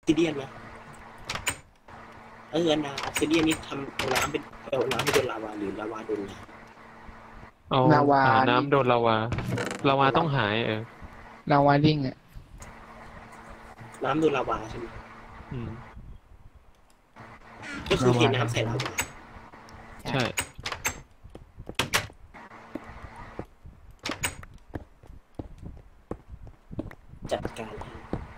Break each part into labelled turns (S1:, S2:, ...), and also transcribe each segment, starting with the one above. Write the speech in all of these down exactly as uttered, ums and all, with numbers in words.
S1: ซิเดียนนะเอออันดาออกซิเดียนนี่ทำเอาน้ำเป็นเอาน้ำให้โดนลาวาหรือลาวาโดนน้
S2: เอา
S3: ลาวา
S2: หาน้ำโดนลาวาลาวาต้องหายเออ
S3: ลาวาดิ้งอ่ะ
S1: ำน้ำโดนลาวาใช่ไหม
S2: อืม
S1: ก็คือเทน้ำใส่ลาวา
S2: ใช่
S1: จัดการให้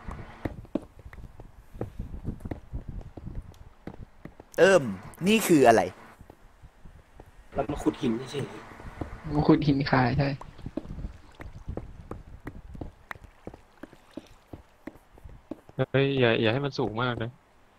S4: เอิ่มนี่คืออะไร
S1: เรามาขุดหินเฉย
S3: มันขุดหินคายใช่
S2: เฮ้ยอย่าอย่าให้มันสูงมากนะ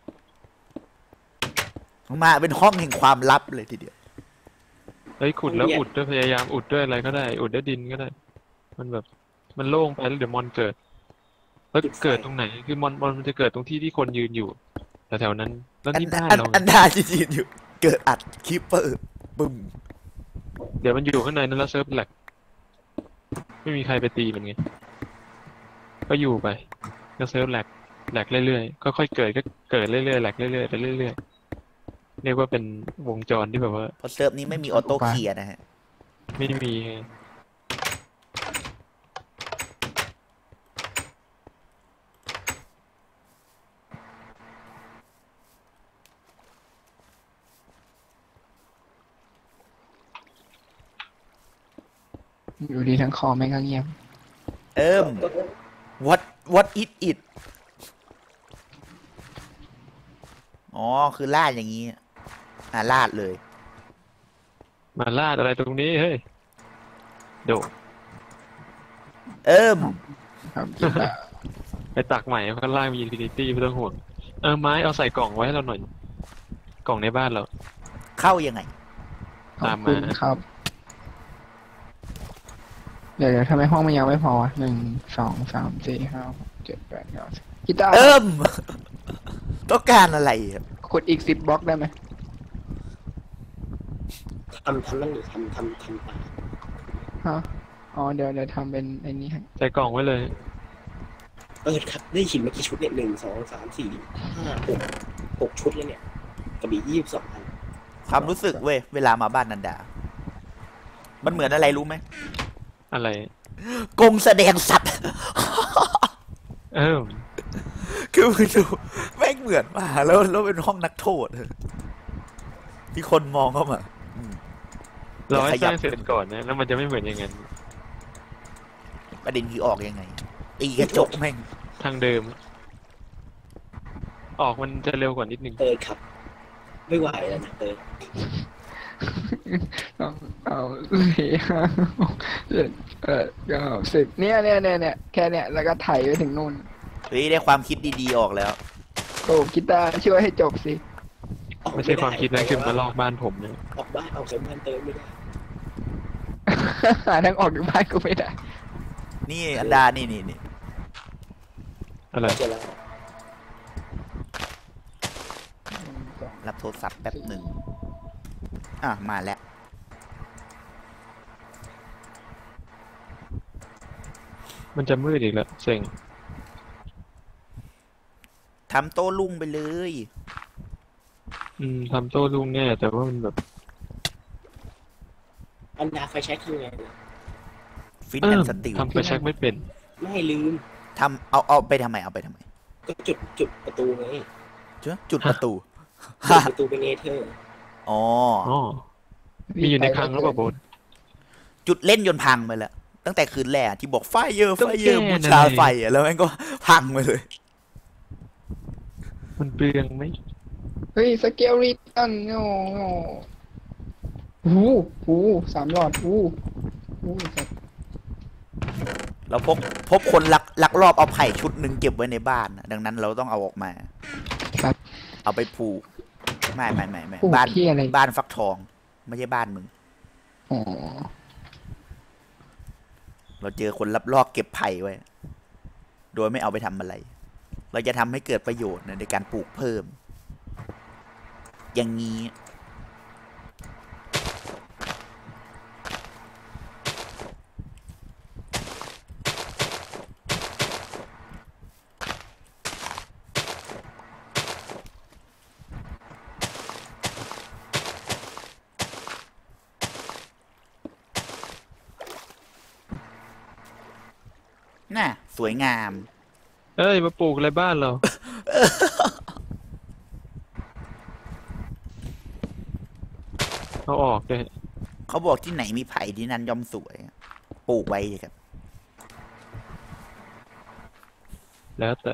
S4: มาเป็นห้องแห่งความลับเลยทีเดียว
S2: เฮ้ยขุดแล้วอุดด้วยพยายามอุดด้วยอะไรก็ได้ อุดด้วยดินก็ได้ มันแบบมันโล่งไปแล้วเดี๋ยวมอนเกิดแล้วเกิดตรงไหนคือมอนมอนมันจะเกิดตรงที่ที่คนยืนอยู่แถวๆนั้นแล้ว
S4: อัน
S2: นี่บ้าน
S4: อัน
S2: เรา
S4: อันดาจีนอยู่ เกิดอัดคิปเปอร์บึ้ม
S2: เดี๋ยวมันอยู่ข้างในนั้นแล้วเซิร์ฟแหลกไม่มีใครไปตีมันไงก็อยู่ไปก็เซิร์ฟแหลกแหลกเรื่อยๆค่อยๆเกิดก็เกิดเรื่อยๆแหลกเรื่อยๆไปเรื่อยๆเรียกว่าเป็นวงจรที่แบบว่า
S4: เพราะเซิร์ฟนี้ไม่มีออโต้เคลียร์นะฮะ
S2: ไม่มี
S3: อยู่ดีทั้งคอแม่งก็เงียบ
S4: เอิ่ม what what is it อ๋อคือลาดอย่างนี้อ่าลาดเลย
S2: มาลาดอะไรตรงนี้เฮ้ยโดด
S4: เอิ่ม
S3: ครับคิดว่า
S2: ไปตักใหม่ข้างล่างมีอินฟินิตี้ไม่ต้องห่วงเออไม้เอาใส่กล่องไว้ให้เราหน่อยกล่องในบ้านเรา
S4: เข้ายังไง
S3: ขอบ
S2: ตาม
S3: คุ
S2: มา
S3: ณครับ เดี๋ยวเดี๋ยวทำไมห้องมันยังไม่พอวะหนึ่งสองสามสี่ห้าหกเจ็ดแปดเก้าสิบกีตาร์
S4: เอิ่ม ต้องการอะไรครับ
S3: ขุดอีกสิบบล็อกได้ไหม
S1: ๆทำทำนั่นหรือทำทำทำป่า
S3: ฮะอ๋อเดี๋ยวเดี๋ยวทำเป็นไอ้นี่ให้
S2: ใส่กล่องไว้เลย
S1: เออครับได้หินมากี่ชุดเนี่ยหนึ่งสองสามสี่ห้าหกหกชุดแล้วเนี่ยกระบี่ยี่สิบสองอัน
S4: ความรู้สึกเว้ย เวลามาบ้านนันดา มันเหมือนอะไรรู้ไหม
S2: อะไร
S4: กงแสดงสัตว์
S2: เออ
S4: คือมึงดูแม่งเหมือนมาแล้วแล้วเป็นห้องนักโทษที่คนมองเข้ามาอืม
S2: เราให้
S4: ข
S2: ส
S4: ยับ
S2: ร้างเสร็จก่อนนะแล้วมันจะไม่เหมือนอย่างนั้น
S4: ประเด็นคือออกยังไงตีกระจกแม่ง
S2: ทางเดิม ออกมันจะเร็วกว่านิดนึง
S1: เตยครับ ไม่ไหวแล้วนะเตย
S3: สองเอาสี่ห้าหกเจ็ดแปดเก้าสิบเนี่ยเนี่ยเนี่ยเนี่ยแค่เนี่ยแล้วก็ไถไปถึงนู่น
S4: เฮ้ยได้ความคิดดีๆออกแล้ว
S3: โอ้กีตาร์ช่วยให้จบสิ
S1: ออก
S2: ไม่ใช่ความคิดนะคือมาลอกบ้านผมเนี่ย
S1: ออกบ้านออกจากบ้านเตยไม่ได้
S3: หาทางออกจากบ้านกูไม่ได้
S4: นี่อันดานี่นี่นี่
S2: อะไร
S1: เจอแล้ว
S4: รับโทรศัพท์แป๊บหนึ่งอ่ะมาแล้ว
S2: มันจะมืดอีกแล้วเซ็ง
S4: ทำโต้รุ่งไปเลย
S2: อืมทำโต้รุ่งแน่แต่ว่ามันแบบ
S1: อันดาไฟแช็กคือไงนะ
S4: ฟิน
S2: เอ
S4: แอ
S2: อน
S4: สติล
S2: ทำไปเช็คไม่เป็น
S1: ไม่ลืม
S4: ทำเอาเอาไปทำไมเอาไปทำไม
S1: ก็จุดจุดประตูไง
S4: เจ้าจุดประตู
S1: จุดประตูเป็นเนเธอร์
S4: อ๋อ
S2: อ๋อ มีอยู่ในคลังหรือเปล่าโบน
S4: จุดเล่นยนต์พังไปแล้ว ตั้งแต่คืนแรกที่บอกไฟเยอร์
S2: ต้
S4: ไฟ
S2: อง
S4: เยอร์
S2: แก้
S4: บู
S2: นะ
S4: ชาไฟอ่ะแล้วมันก็พังไปเลย
S2: มันเปลืองไหม
S3: เฮ้ยสเกลริตันโอ้โหหูหูสามหลอดหูหูสัตว์
S4: เราพบพบคนลักลักลอบเอาไผ่ชุดหนึ่งเก็บไว้ในบ้านน่ะดังนั้นเราต้องเอาออกมา
S3: ครับ
S4: เอาไปผูกไม่ไม่ไม่ไม่
S3: ผูก
S4: บ้าน
S3: ที่อะไร
S4: บ้านฟักทอง ไม่ใช่บ้านมึง
S3: อ๋อ
S4: เราเจอคนลับลอบเก็บไผ่ไว้ โดยไม่เอาไปทำอะไร เราจะทำให้เกิดประโยชน์ในการปลูกเพิ่ม อย่างนี้น่ะสวยงาม
S2: เอ้ยมาปลูกอะไรบ้านเรา เอาออกเลย
S4: เขาบอกที่ไหนมีไผ่ที่นั่นย่อมสวย ปลูกไว้ครับ
S2: แล้วแต่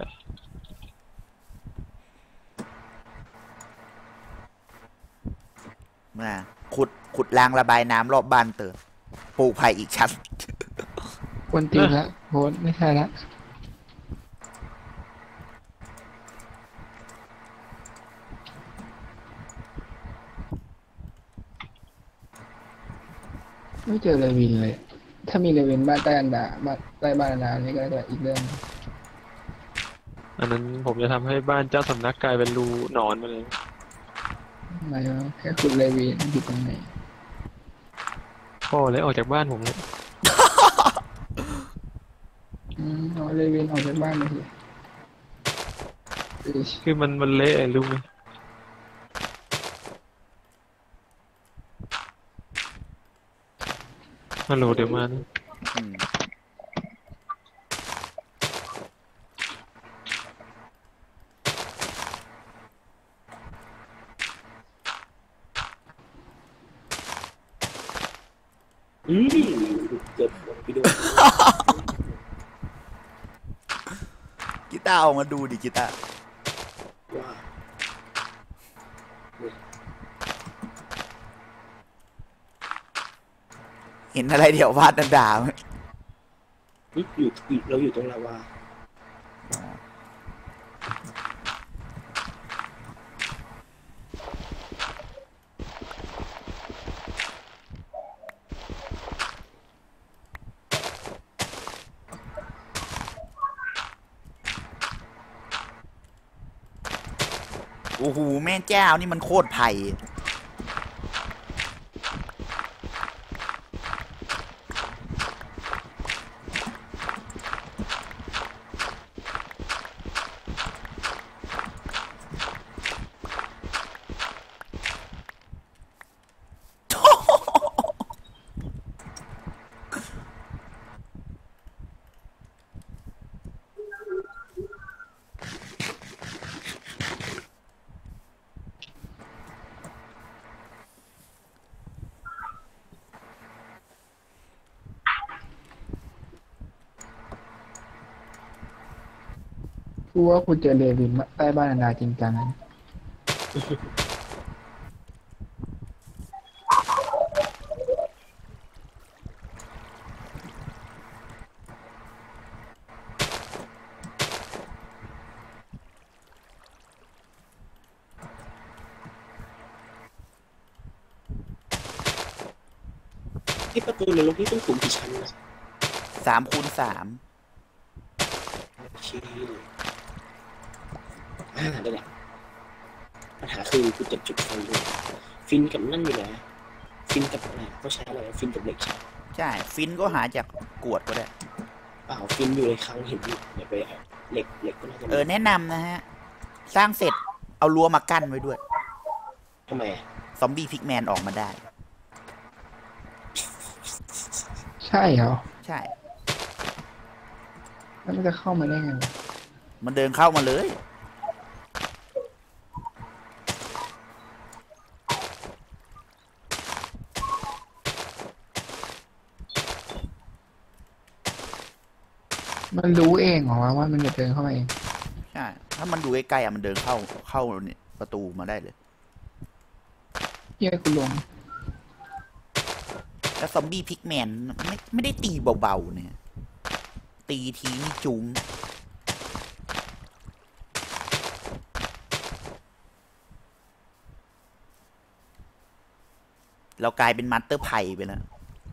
S4: มาขุดขุดรางระบายน้ำรอบบ้านเติมปลูกไผ่อีกชั้น
S3: ควนตีนละโหดไม่ใช่ละไม่เจอเลวินเลย ถ้ามีเลวินบ้านใต้อันดาบ้านใต้บ้านอันดานี่ก็จะอีกเรื่อง
S2: อันนั้นผมจะทำให้บ้านเจ้าสำนักกลายเป็นรูหนอนไปเลย
S3: หมายว่าแค่คุณเลวินอยู่ตรงไหน
S2: พ่อเลยออกจากบ้านผมเลย
S3: อืมเอาเลวินออกจากบ้านมาสิอิ๊ย
S2: คือมันมันเละรู้ไหมฮัลโหลเดี๋ยวมานะ
S4: อืม
S1: อืมเกือบลงไปด้วย
S4: กีตาร์เอามาดูดิกีตาร์
S1: ว่า
S4: เห็นอะไรเดี๋ยววาดนันดาไหม
S1: อุ๊ยอยู่อยู่เราอยู่ตรงลาวา
S4: โอ้โหแม่เจ้านี่มันโคตรไผ่
S3: กูว่ากูเจอเลวินใต้บ้านอันดาจริงจังนะ
S1: ที่ประตูนรกนี่ต้องสูงกี่ชั้นนะ
S4: สามคูณสาม
S1: ชี้อ่าได้แหละปัญหาคือกูจะจุดไฟด้วยฟินกับนั่นอยู่นะฟินกับอะไรต้องใช้อะไรฟินกับเหล็กใช่
S4: ใช่ ฟินก็หาจากกวดก็ได้
S1: เปล่าฟินอยู่ในคลังเห็นอยู่เดี๋ยวไปเอาเหล็กเหล็กก็น่าจะมี
S4: เออ แนะนำนะฮะ สร้างเสร็จเอารั้วมากั้นไว้ด้วย
S1: ทำไมอะ
S4: ซอมบี้พิกแมนออกมาได้
S3: ใช่เหรอ
S4: ใช่
S3: แล้วมันจะเข้ามาได้ไงวะ
S4: มันเดินเข้ามาเลย
S3: มันรู้เองเหรอวะว่ามันจะเดินเข้ามาเอง
S4: ใช่ ถ้ามันดูใกล้ๆอ่ะมันเดินเข้าเข้าเนี่ยประตูมาได้เลย
S3: เฮียกูลง
S4: แล้วซอมบี้พิกแมนไม่ไม่ได้ตีเบาๆเนี่ย ตีทีนี่จุ้ง เรากลายเป็นมัตเตอร์ไผ่ไปแล้ว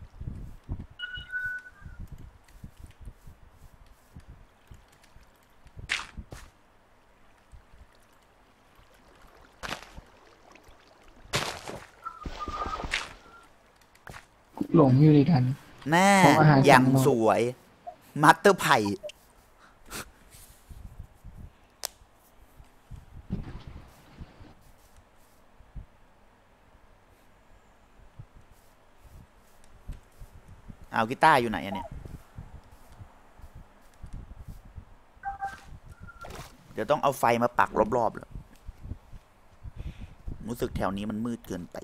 S3: หลงอยู่ดีกัน
S4: หน้า
S3: ของอาหาร
S4: อย่าง
S3: สั่งมา
S4: สวย มัตเตอร์ไผ่ เอากีตาร์อยู่ไหนอะเนี่ยเดี๋ยวต้องเอาไฟมาปักรอบๆแล้วรู้สึกแถวนี้มันมืดเกินไป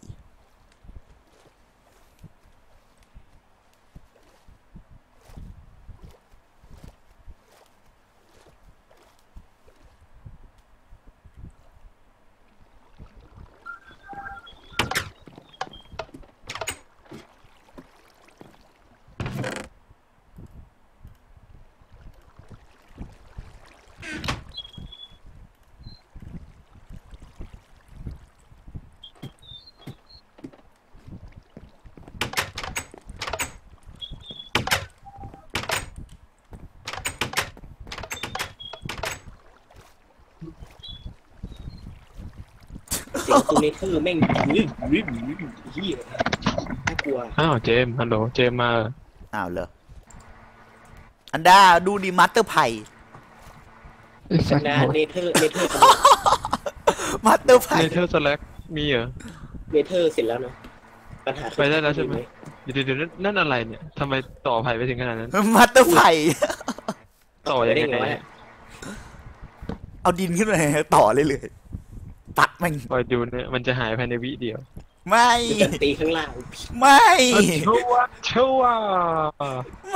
S1: เสียงตัวเนเธอร์แม่งรึบรึบรึบเฮียน่ากลัว
S2: อ้าวเจมส์ฮัลโหลเจมส์มาเหรอ
S4: อ้าวเหรออันดาดูดิมาสเตอร์ไพ
S3: ไอ้สั
S1: สั
S3: ต
S1: น
S3: ว์
S1: ดา
S3: โหด
S1: เนเธอร์เนเธอร์
S4: มาสเตอร์ไพ
S2: เนเธอร์สแลกมีเหรอ
S1: เนเธอร์เสร็จแล้วเนาะปัญหาคือ
S2: ไปได้แล้วใช่ไหม เดี๋ยวเดี๋ยวนั่นอะไรเนี่ยทำไมต่อไผ่ไปถึงขนาดนั้น
S4: มาสเตอร์ไพ
S2: ต่อยัง
S1: ได้
S2: ไง
S1: ไงวะ
S2: เนี่ย
S4: เอาดินขึ้นมาต่อเลยเลยตัดแม่ง
S2: คอยดูเนี่ยมันจะหายภายในวิเดียว
S4: ไม่
S1: คือการตีข้างล่าง
S4: ไม่
S2: ชัวร์ชัวร์
S4: ไม่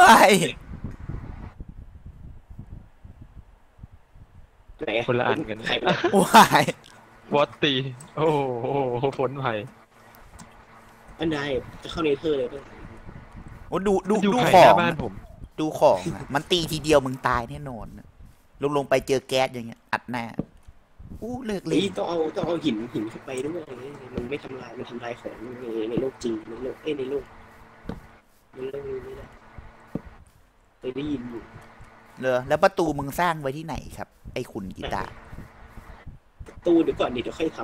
S1: ไหน
S2: คนละอันกัน
S1: ใครไป
S4: วาย
S2: วอตตีโอ้โหฝนไผ่
S1: อันใดจะเข้าเนเธอร์เลยป่ะ
S4: โอ้ดูดู
S2: อยู่
S4: ดู
S2: ไผ่
S4: ข
S2: ห
S4: อ
S2: น้าง บ้านผม
S4: ดูของอะมันตีทีเดียวมึงตายแน่นอนอะลงลงไปเจอแก๊สอย่างเงี้ยอัดหน้าอู้เลิกเล
S1: นี่
S4: ย
S1: ต้องเอาต้องเอาหินหินเข้าไปด้วยมันไม่ทำลายมันทำลายของในในโลกจริงในโลกเอ้ยในโลกในโลกนี้ไม่ได้เคยได้ยินอยู่
S4: เลยแล้วประตูมึงสร้างไว้ที่ไหนครับ ไอ้คุณกีตาร์
S1: ตู้เดี๋ยวก่อนดิเดี๋ยวค่อยท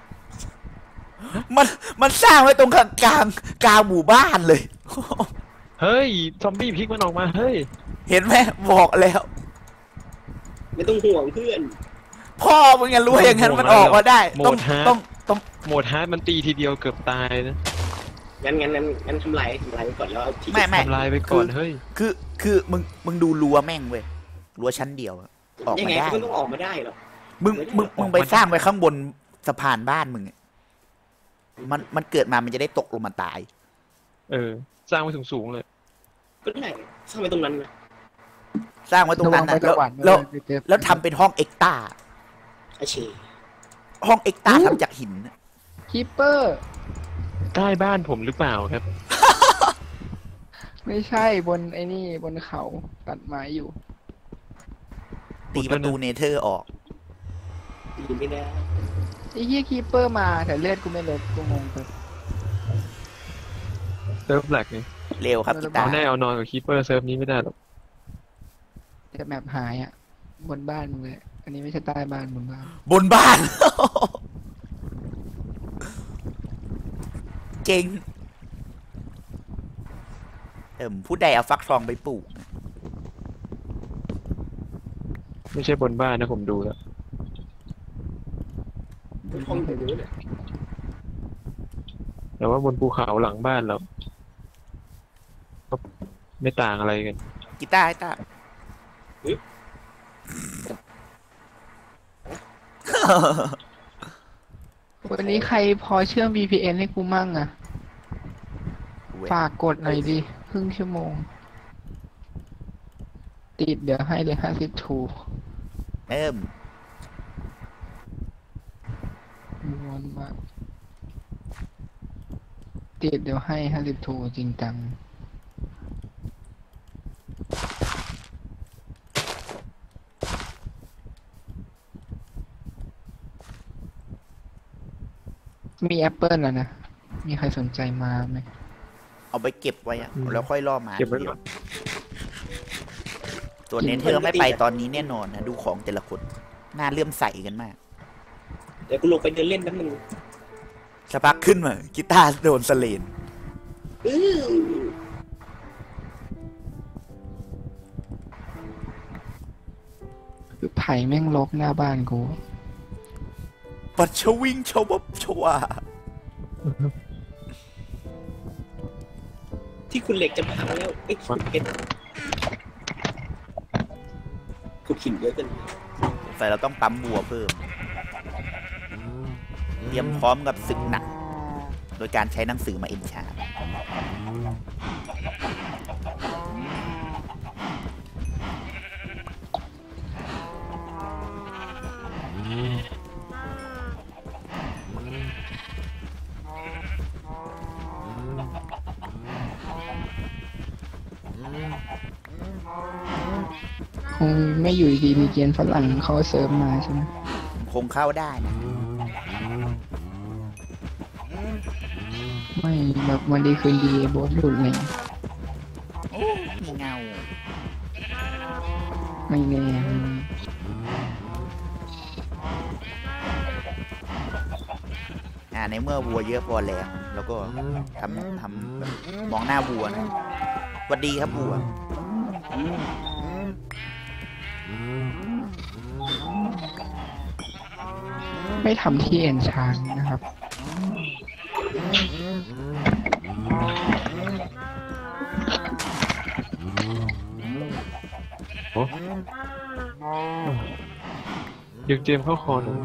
S4: มันมันสร้างไว้ตรงกลางกลางกลางหมู่บ้านเลย
S2: เฮ้ยซอมบี้พลิกมันออกมาเฮ้ย
S4: เห็นไหมบอกแล้ว
S1: ำไม่ต้องห่วงเพื่อน
S4: พ่อมึงยังรู้อย่างนั้นมันออกมาได้
S2: โหม
S4: ต้อง
S2: ดฮาร์ด
S4: ต้องต้อง
S2: โหมดฮาร์ดมันตีทีเดียวเกือบตายนะ
S1: งั้นงั้นงั้นงั้นทำลายทำลายไปก่อนแล้วเอาที่
S4: ไม่ไม่
S2: ทำลายไปก่อนเฮ้ย
S4: คือคือมึงมึงดูรั้วแม่งเว้ยรั้วชั้นเดียวอะออก
S1: ยัง
S4: มา
S1: ไง
S4: ได้
S1: ก็ต้องออกมาได้หรอก
S4: มึงมึงมึงไปสร้างไว้ข้างบนสะพานบ้านมึงอะมันมันเกิดมามันจะได้ตกลงมาตาย
S2: เออ สร้างไว้สูงๆเลย
S1: ก็ได้สร้างไว้ตรงนั้นนะ
S4: สร้างไว้ตรงนั้น
S3: ระวั
S4: นะ
S3: งไป
S4: แล้ว
S3: ตะวัน
S4: แล้ว
S3: ไปเจอ
S4: แล้วทำเป็นห้องเอ็กตา
S1: อาเช
S4: ห้องเอ็กตาทำจากหินน่ะ
S3: คีปเปอร์
S2: ใต้บ้านผมหรือเปล่าครับ
S3: ไม่ใช่บนไอ้นี่บนเขาตัดไม้อยู่
S4: ตีประตูเนเธอร์ออก
S1: ดีไม่ได้
S3: ไอ้เฮียคีปเปอร์มาแต่เลือดกูไม่ลดกูงงไป
S2: เซิร์ฟแลกนี่
S4: เร็วครับกีตา
S2: เอา
S4: ร์
S2: แน่เอานอนกับคีเปอร์เซิร์ฟนี้ไม่ได้หรอก
S3: แต่แมปหายอ่ะ บนบ้านมึงเลยอันนี้ไม่ใช่ใต้บ้านบนบ้าน
S4: บนบ้าน เก่งเอิ่มผู้ใดเอาฟักทองไปปลูก
S2: ไม่ใช่บนบ้านนะผมดูแล้ว
S1: ห้องเดียวเนี่ย
S2: แต่ว่าบนภูเขาหลังบ้านเราก็ไม่ต่างอะไรกัน
S4: กีตาร์กีตาร์
S3: วันนี้ใครพอเชื่อม วี พี เอ็น ให้กูมั่งอ่ะ ฝากกดหน่อยดิครึ่งชั่วโมง ติดเดี๋ยวให้เลยห้าสิบทู
S4: เอิ่ม
S3: วนมาติดเดี๋ยวให้ห้าสิบทูจริงจัง มีแอปเปิลแล้วนะ มีใครสนใจมาไหม
S4: เอาไปเก็บไว้อะ
S2: อืม
S4: แล้วค่อยล่อมา
S2: เก็บไว้
S4: ทีดี
S2: ก่
S4: ย
S2: อน
S4: ตัวเนเธอร์ไม่ไปตอนนี้แน่นอนนะ ดูของแต่ละคนน่าเลื่อมใสกันมาก
S1: เดี๋ยวกูลงไปเดินเล่นแป๊บนึง
S4: สักพักขึ้นมากีตาร์โดนสเลน
S1: อื้อ
S3: คือไผ่แม่งลกหน้าบ้านกู
S4: ปัดชวิงชวบชวา
S1: ที่คุณเหล็กจะพังแล้วไอ้ยขุดเพชรขุดหินเยอะเกิน
S4: ใส่เราต้องปั๊มวัวเพิ่ม เตรียมพร้อมกับศึกหนัก โดยการใช้หนังสือมาเอ็นชาร์
S3: คงไม่อยู่ดีๆมีเกณฑ์ฝรั่งเขาเสริมมาใช่ไหม
S4: คงเข้าได้นะ
S3: ไม่แบบวันดีคืนดีโบสหลุดเลย
S4: โอ้มีเงา
S3: ไม่แน่
S4: อ่าในเมื่อวัวเยอะพอแล้ว แล้วก็ทำทำแบบมองหน้าวัวนะสวัสดีครับวัว
S3: ไม่ทำที่เอ็นชานนะครับ
S2: โอ้ดึงเจมส์เข้าคอหน่อย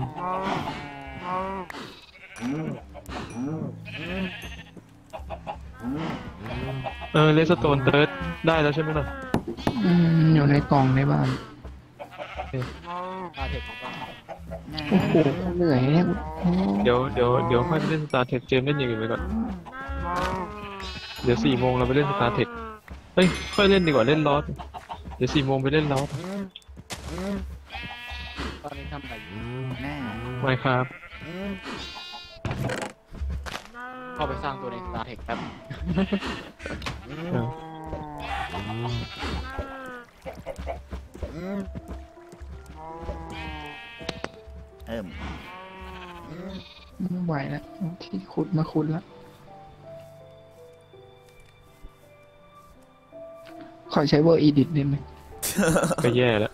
S2: เออเลสโตนเติร์ดได้แล้วใช่ไหมล่ะ
S3: อืมอยู่ในกล่องในบ้าน
S1: ตาเทคของเรา
S3: โอ้โหเหนื่อยเนี่ยโอ้
S2: เดี๋ยวเดี๋ยวเดี๋ยวค่อยไปเล่นสตาร์เทคเจมส์เล่นอย่างอื่นไปก่อน เดี๋ยวสี่โมงเราไปเล่นสตาร์เทคเฮ้ยค่อยเล่นดีกว่าเล่นลอสเดี๋ยวสี่โมงไปเล่นลอส
S1: ตอนนี้ทำอะไรอยู่
S4: หน้า
S2: ไม่ครับ
S1: เข้าไปสร้างตัวในตาเทคแป๊บ
S2: เออ
S4: เอิ่ม
S3: ไม่ไหวแล้วที่ขุดมาขุดแล้ว ขอใช้เวอร์อีดิทได้ไหม
S2: ก็แย่แล้ว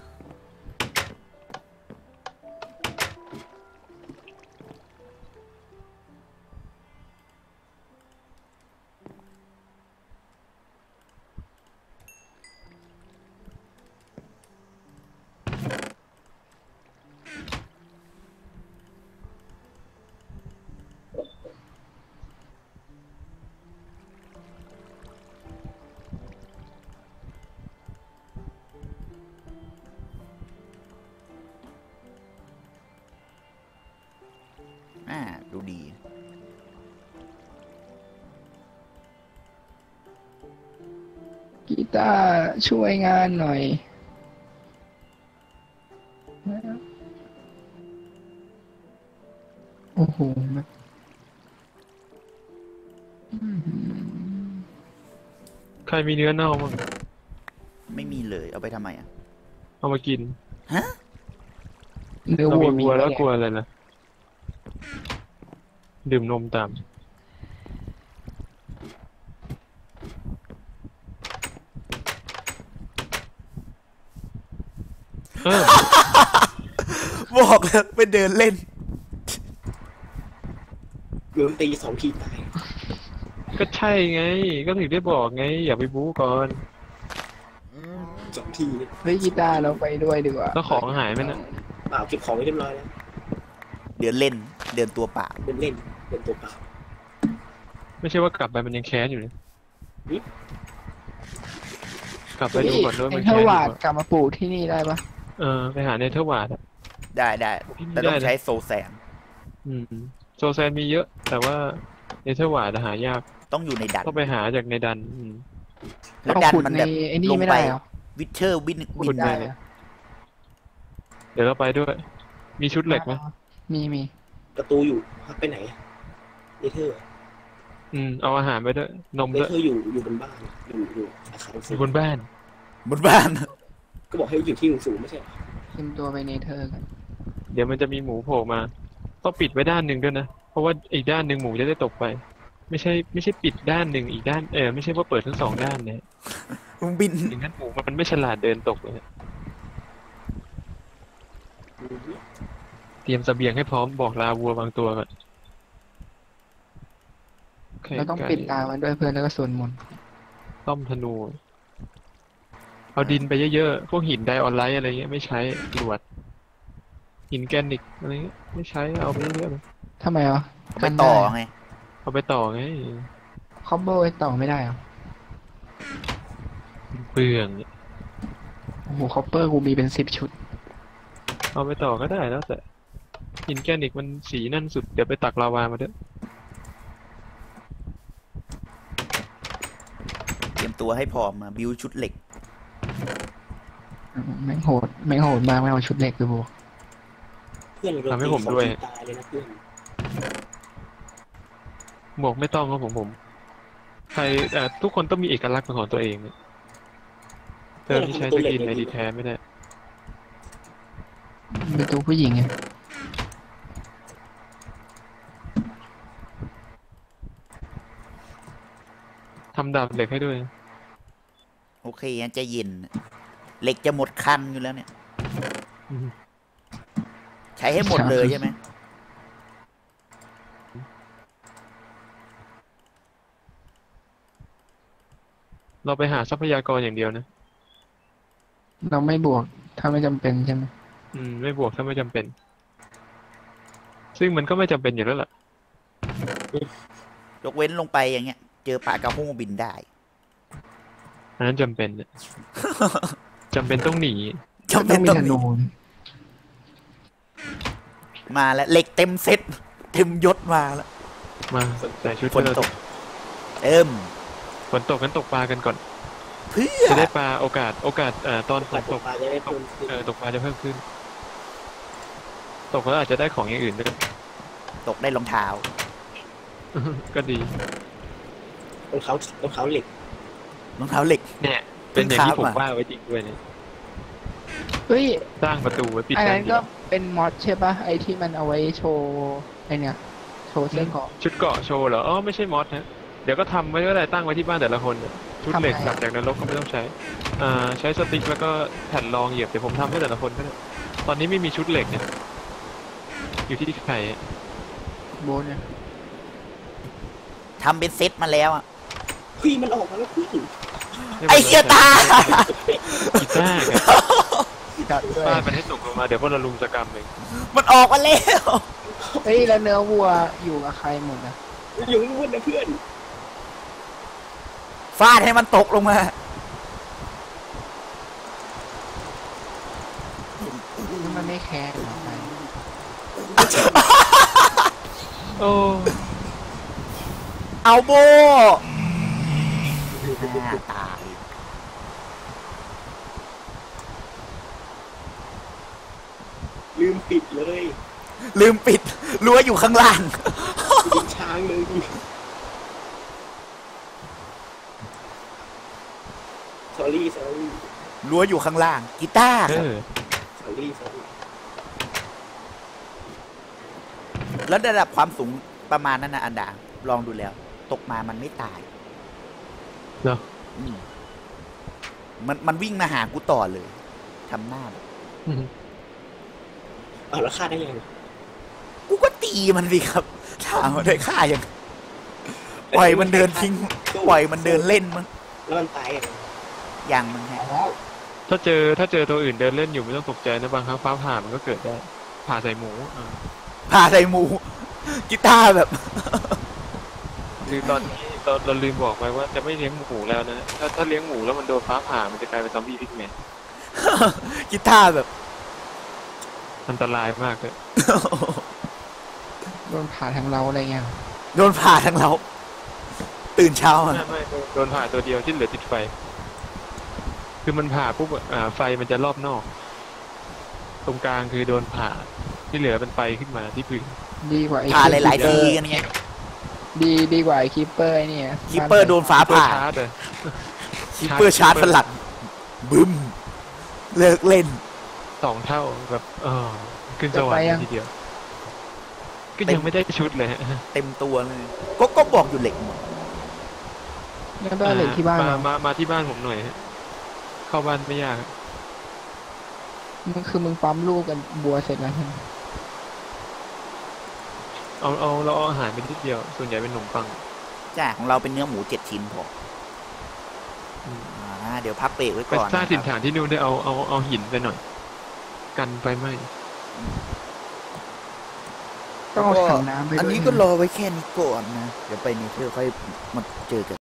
S4: อ่าดูดี
S3: กีตาร์ช่วยงานหน่อย โอ้โหแบบอื้อหือ
S2: ใครมีเนื้อเน่าบ้าง
S4: ไม่มีเลย เอาไปทำไมอ่ะ
S2: เอามากิน
S3: เนื้อ
S2: เรา
S3: วัว
S2: มี
S3: มี
S2: วัวแล้ว
S3: ไหม
S2: กลัวอะไรนะดื่มนมตาม เออ
S4: บอกแล้วไปเดินเล่น
S1: เกือบตีสองทีตาย
S2: ก็ใช่ไง ก็ถึงได้บอกไง อย่าไปบู๊ก่อน
S1: สองทีเนี่ย
S3: เฮ้ยกีตาร์เราไปด้วยดีกว่า
S2: แล้วของหายไหมนะ
S1: เปล่าเก็บของไว้เรียบร้อยแล้ว
S4: เดินเล่น เดินตัวเปล่า
S1: เป็นเล่นเป็นตัวเปล่า
S2: ไม่ใช่ว่ากลับไปมันยังแค้นอยู่เลย
S1: หึ
S2: กลับไปดูก่อนด้วย
S3: เอ็
S2: มัน
S3: นเทอ
S2: แค้น
S3: ร์
S2: อยู่
S3: วาด
S2: อะ
S3: กลับมาปลูกที่นี่ได้ปะ
S2: เออไปหาเนเธอร์วาร์ดอะ
S4: ได้ได้ แต่ต้อง
S2: ได้นะ
S4: ใช้โซแซน
S2: อืมโซแซนมีเยอะ แต่ว่าเนเธอร์วาร์ดหายาก
S4: ต้องอยู่ในดัน
S2: ต้องไปหาจากในดันอืม
S4: แล้ว
S3: เอา
S4: ดัน
S3: ขุด
S4: มัน
S3: ใน
S4: แบบ
S3: ไอ้นี่
S4: ลง
S3: ไม่
S4: ไป
S3: ได้เหรอ
S4: วิเชอร์วิน
S3: ขุ
S4: วิ
S3: ด
S4: น
S3: ได้
S2: เลย
S3: เหรอ
S2: เดี๋ยวเราไปด้วย มีชุดเหล็กไหม
S3: มีมี
S1: ประตูอยู่พักไปไหนเนเธอร์
S2: อืมเอาอาหารไปด้วย นม
S1: เน
S2: ด้วย
S1: เธอร์อยู่อยู่บนบ้านอยู่อยู่อาคาร
S2: อ
S1: สู
S2: ยู่
S1: ง
S2: บนบ้าน
S4: บนบ้าน
S1: ก็บอกให้อยู่ที่สูงๆไม่ใช่เหรอ
S3: เตรียมตัวไปเนเธอร์กัน
S2: เดี๋ยวมันจะมีหมูโผล่มา ต้องปิดไว้ด้านหนึ่งด้วยนะ เพราะว่าอีกด้านหนึ่งหมูจะได้ตกไป ไม่ใช่ไม่ใช่ปิดด้านหนึ่งอีกด้านเออไม่ใช่ว่าเปิดทั้งสองด้านเนี่ย
S4: มึงบิน
S2: อย่างนั้นหมูมันไม่ฉลาดเดินตกเลย
S1: อืม
S2: เตรียมเสบียงให้พร้อมบอกลาวัวบางตัวก่อนไข่
S3: เราต้อง
S2: ไก่
S3: ปิดตามันด้วยเพื่อนแล้วก็สวดมนต์
S2: ต้อมธนู เอาดินไปเยอะๆ พวกหินไดออนไลท์อะไรเงี้ยไม่ใช้กรวดหินแกรนิตอะไรเงี้ยไม่ใช้เอาไปเรื่อยๆเลย
S3: ทำไมอ่ะ
S4: ไปต่อไง
S2: เอาไปต่อไง
S3: คอมโบไปต่อไม่ได้เหรอ
S2: เปลือง
S3: โอ้โหคอปเปอร์กูมีเป็นสิบชุด
S2: เอาไปต่อก็ได้แล้วแต่หินแกรนิตมันสีนั่นสุดเดี๋ยวไปตักลาวามาด้วย
S4: เตรียมตัวให้พร้อมมาบิวชุดเหล็ก
S3: แม่งโหดแม่งโหดมากไม่เอาชุดเหล็กเลยบวก
S1: เพื่อนเรา
S2: ทำให้ผมด้วย
S1: ตีสองทีตายเลยนะเพื่อน
S2: หมวกไม่ต้องครับผมผมใครเอ่อทุกคนต้องมีเอกลักษณ์เป็นของตัวเองเนี่ยเติมที่ใช้สกินในดีแท้ไม่ได้
S3: เป็นตัวผู้หญิงไง
S2: ทำดาบเหล็กให้ด้วย
S4: โอเคงั้นใจะเย็น เหล็กจะหมดคันอยู่แล้วเนี่ย
S2: อืม
S4: ใช้ให้หมดเลยใช่ไหม
S2: เราไปหาทรัพยากรอย่างเดียวนะ
S3: เราไม่บวกถ้าไม่จำเป็นใช่ไหม
S2: อืมไม่บวกถ้าไม่จำเป็น ซึ่งมันก็ไม่จำเป็นอยู่แล้วล่ะ
S4: ยกเว้นลงไปอย่างเงี้ย เจอปลากระโห้บินได้
S2: อันนั้นจำเป็นเนี่ย จำเป็นต้องหนี
S4: จำเป็น
S3: มี
S4: ต้อง
S3: ธ
S4: มี
S3: นู
S4: มาแล้วเหล็กเต็มเซ็ตเต็มยศมาแล้ว
S2: มาใส่ชุด
S4: ฝน
S2: ให้เรา
S4: ตก เอิ่ม
S2: ฝนตกกันตกปลากันก่อน
S4: เพื่อ
S2: จะได้ปลาโอกาสโอกาสเอ่อตอนฝ
S1: ปัด
S2: น
S1: ต
S2: ต
S1: ก
S2: ก
S1: ปลาจะได้เพิ่มขึ้น
S2: เออตกปลาจะเพิ่มขึ้น ตกแล้วอาจจะได้ของอย่างอื่นด้วย
S4: ตกได้รองเท้า
S2: ก็ดี
S1: รองเท้ารองเท้าเหล็ก
S4: รองเท้าเหล็ก
S2: เนี่ย เป็นอย่างที่ผม
S4: เพิ่งคราฟมา
S2: ว่าไว้จริงด้วยเนี่ย
S3: เฮ้ย
S2: สร้างประตูไว้ปิด
S3: อัน
S2: กั
S3: นั้น นก็เป็นมอดใช่ปะไอที่มันเอาไว้โชว์ไอเนี่ยโชว์เสื้อเกราะ
S2: ชุดเกาะโชว์เหรออ๋อไม่ใช่มอสนะเดี๋ยวก็ทำไว้ก็ได้ตั้งไว้ที่บ้านแต่ละคนเนี่ยชุดเหล็ก
S3: ทำไง
S2: กลับจากนรกก็ไม่ต้องใช้ อ่าใช้สติ๊กแล้วก็แผ่นรองเหยียบเดี๋ยวผมทำให้แต่ละคนก็ได้ตอนนี้ไม่มีชุดเหล็กเนี่ย อยู่ที่ใครอะ
S3: โบนเนี่ย
S4: ทำเป็นเซ็ตมาแล้วอะ
S1: พี่มันออกมาแล้วพี่
S4: ไอ้เหี้ยตา
S2: กีตาร์ครับฟาดมันให้ตกลงมาเดี๋ยวพวกเราลุมสกรรมเอง
S4: มันออกมาแล้ว
S3: เฮ้ยแล้วเนื้อวัวอยู่กับใครหมดอ่ะ
S1: อยู่นู่นนะเพื่อน
S4: ฟาดให้มันตกลงมา
S3: นี่มันไม่แคร์หรอกไป
S2: โอ้
S4: เอาโบหน้าตาย
S1: ลืมปิดเลย
S4: ลืมปิดรั้วอยู่ข้างล่าง
S1: ยิงช้างเลยสอรี่สอรี่
S4: รั้วอยู่ข้างล่าง กีตาร์
S2: เอ
S4: ครับ
S2: อ
S1: สอรี่สอรี่
S4: แล้วระดับความสูงประมาณนั้นนะอันดา ลองดูแล้ว ตกมามันไม่ตาย
S2: เนอะ
S4: อืมมันมันวิ่งมาหากูต่อเลยทำหน้าแบบ
S1: อ้าวแล้วฆ่าได้ยังไง
S4: กูก็ตีมันสิครับ ถามว่าได้ฆ่ายังปล่อยมันเดินทิ้ง ปล่อยมันเดินเล่นมั้ง
S1: แล้วมันตายอ่ะ
S4: ยังมันฮะ
S2: ถ้าเจอถ้าเจอตัวอื่นเดินเล่นอยู่ไม่ต้องตกใจนะบางครั้งฟ้าผ่ามันก็เกิดได้ผ่าใส่หมูอ่า
S4: พาใส่หมู กีตาร์แบบ
S2: คือตอนนี้เราเราลืมบอกไปว่าจะไม่เลี้ยงหมูแล้วนะถ้าถ้าเลี้ยงหมูแล้วมันโดนฟ้าผ่ามันจะกลายเป็นซอมบี้พิกแมน
S4: กีตาร์แบบ
S2: อันตรายมากเลย
S3: โดนผ่าทางเราอะไรเงี้ย
S4: โดนผ่าทั้งเรา ตื่นเช้า
S2: ไม่
S4: อะ
S2: ไม่โดนผ่าตัวเดียวที่เหลือติดไฟ คือมันผ่าปุ๊บอ่าไฟมันจะรอบนอก ตรงกลางคือโดนผ่าที่เหลือเป็นไฟขึ้นมาที่พื้น
S3: ดีกว่าไอ้
S4: ผ่าหลาย ๆ
S3: คี
S4: ที
S3: ปเปอร์
S4: กันเงี้ย
S3: ดีดีกว่าไอ้คีปเปอร์ไอ้เนี่ย
S4: คิปเปอร์โดนฟ้า
S2: เปอ
S4: ผ่า
S2: ร์ชาร์จเลย
S4: คิปเปอร์ชาร์จสลัดบึ้ม เลิกเล่น
S2: สองเท่าแบบเออขึ้นสวรรค์เลยทีเดียว ก็ยังไม่ได้ชุดเลยฮะ
S4: เต็มตัวเลย ก็ก็บอกอยู่เหล็กหมด
S3: แล้วก็เหล็กที่บ้าน
S2: มา
S3: เรา
S2: มามาที่บ้านผมหน่อยฮะเข้าบ้านไม่ยาก
S3: มันคือมึงปั๊มลูกกันบัวเสร็จแล้วใช่ไหม
S2: เอาเอาเราเอาอาหารไปนิดเดียว ส่วนใหญ่เป็นขนมปัง
S4: จ้าของเราเป็นเนื้อหมูเจ็ดชิ้นพอ
S2: อืม
S4: อ่าเดี๋ยวพักเบรกไว้
S2: ไป
S4: ก่อน
S2: สร้าง
S4: นะ
S2: ถิ่น
S4: ครับ
S2: ฐานที่นู่นได้เอาเอาเอาหินไปหน่อย กันไฟไหม้
S4: อืม
S3: ต้องเอาถังน้ำไปด้วย
S4: อันนี้ก็รอไว้แค่นี้ก่อนนะ เดี๋ยวไปนี่เธอค่อยมาเจอกัน